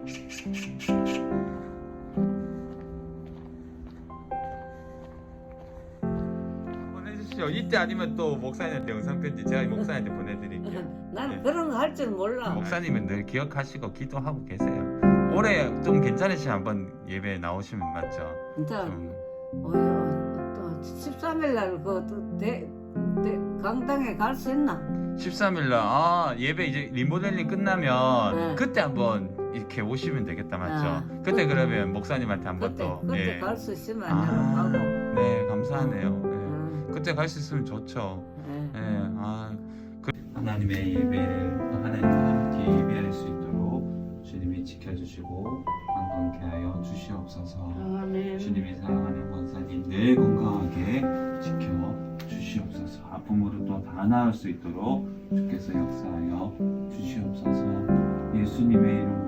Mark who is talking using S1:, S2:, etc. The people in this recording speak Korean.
S1: 보내주시죠. 이때 아니면 또 목사님한테 영상 편지 제가 목사님한테 보내드릴게요.
S2: 나는
S1: 네.
S2: 그런 거 할 줄 몰라.
S1: 목사님은 늘 기억하시고 기도하고 계세요. 올해 좀 괜찮으시면 한번 예배 나오시면 맞죠?
S2: 진짜
S1: 좀
S2: 또 13일 날그 강당에 갈 수 있나?
S1: 13일날 예배 이제 리모델링 끝나면
S2: 네.
S1: 그때 한번 이렇게 오시면 되겠다 맞죠?
S2: 아,
S1: 그때 그러면 목사님한테 한번
S2: 그때
S1: 또
S2: 그때
S1: 예.
S2: 갈 수 있으면
S1: 아,
S2: 내가 가고.
S1: 네 감사하네요.
S2: 응,
S1: 그때 갈 수 있으면 좋죠.
S2: 응.
S1: 하나님의 예배를 하나님과 함께 예배할 수 있도록 주님이 지켜주시고 건강케 하여 주시옵소서.
S2: 아멘.
S1: 주님이 사랑하는 권사님 늘 건강하게 지켜 주시옵소서. 아픔으로 또 다 나을 수 있도록 주께서 역사하여 주시옵소서. 예수님의 이름